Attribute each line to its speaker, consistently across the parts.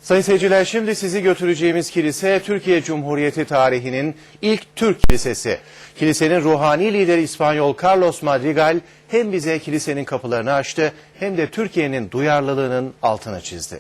Speaker 1: Sayın seyirciler, şimdi sizi götüreceğimiz kilise Türkiye Cumhuriyeti tarihinin ilk Türk kilisesi. Kilisenin ruhani lideri İspanyol Carlos Madrigal hem bize kilisenin kapılarını açtı hem de Türkiye'nin duyarlılığının altını çizdi.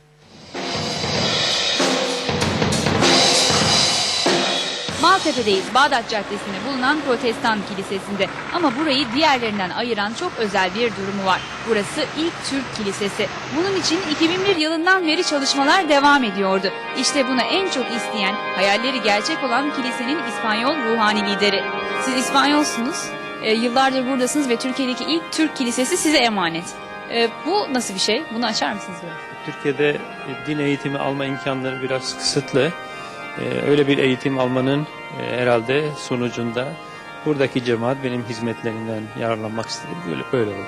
Speaker 2: Maltepe'deyiz, Bağdat Caddesi'nde bulunan Protestan Kilisesi'nde. Ama burayı diğerlerinden ayıran çok özel bir durumu var. Burası ilk Türk Kilisesi. Bunun için 2001 yılından beri çalışmalar devam ediyordu. İşte bunu en çok isteyen, hayalleri gerçek olan kilisenin İspanyol ruhani lideri. Siz İspanyolsunuz, yıllardır buradasınız ve Türkiye'deki ilk Türk Kilisesi size emanet. Bu nasıl bir şey? Bunu açar mısınız böyle?
Speaker 3: Türkiye'de din eğitimi alma imkanları biraz kısıtlı. Öyle bir eğitim almanın herhalde sonucunda buradaki cemaat benim hizmetlerimden yararlanmak istedi. Böyle oldu.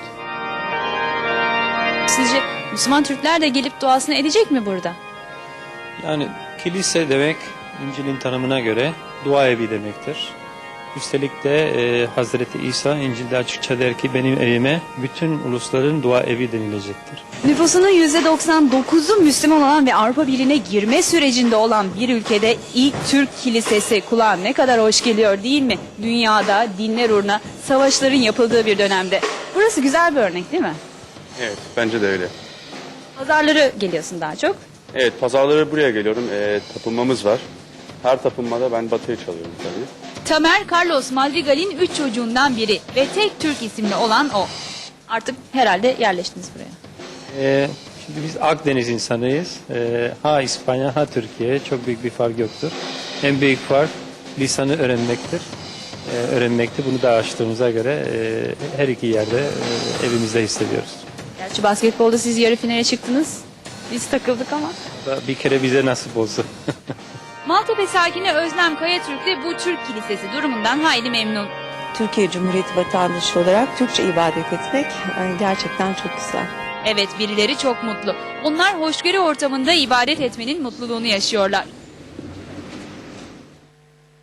Speaker 2: Sizce Müslüman Türkler de gelip duasını edecek mi burada?
Speaker 3: Yani kilise demek İncil'in tanımına göre dua evi demektir. Üstelik de Hazreti İsa İncil'de açıkça der ki benim evime bütün ulusların dua evi denilecektir.
Speaker 2: Nüfusunun %99'u Müslüman olan ve Avrupa Birliği'ne girme sürecinde olan bir ülkede ilk Türk Kilisesi kulağa ne kadar hoş geliyor değil mi? Dünyada dinler uğruna savaşların yapıldığı bir dönemde. Burası güzel bir örnek değil mi?
Speaker 4: Evet, bence de öyle.
Speaker 2: Pazarları geliyorsun daha çok.
Speaker 4: Evet, pazarları buraya geliyorum. Tapınmamız var. Her tapınmada ben batıya çalıyorum tabii.
Speaker 2: Tamer Carlos Madrigal'in 3 çocuğundan biri ve tek Türk isimli olan o. Artık herhalde yerleştiniz buraya.
Speaker 3: Şimdi biz Akdeniz insanıyız. Ha İspanya ha Türkiye çok büyük bir fark yoktur. En büyük fark lisanı öğrenmektir. Öğrenmekte bunu da açtığımıza göre her iki yerde evimizde hissediyoruz.
Speaker 2: Gerçi basketbolda siz yarı finale çıktınız. Biz takıldık ama.
Speaker 3: Bir kere bize nasip olsun.
Speaker 2: Maltepe sakini Özlem Kayatürk de bu Türk Kilisesi durumundan hayli memnun.
Speaker 5: Türkiye Cumhuriyeti vatandaşı olarak Türkçe ibadet etmek gerçekten çok güzel.
Speaker 2: Evet, birileri çok mutlu. Onlar hoşgörü ortamında ibadet etmenin mutluluğunu yaşıyorlar.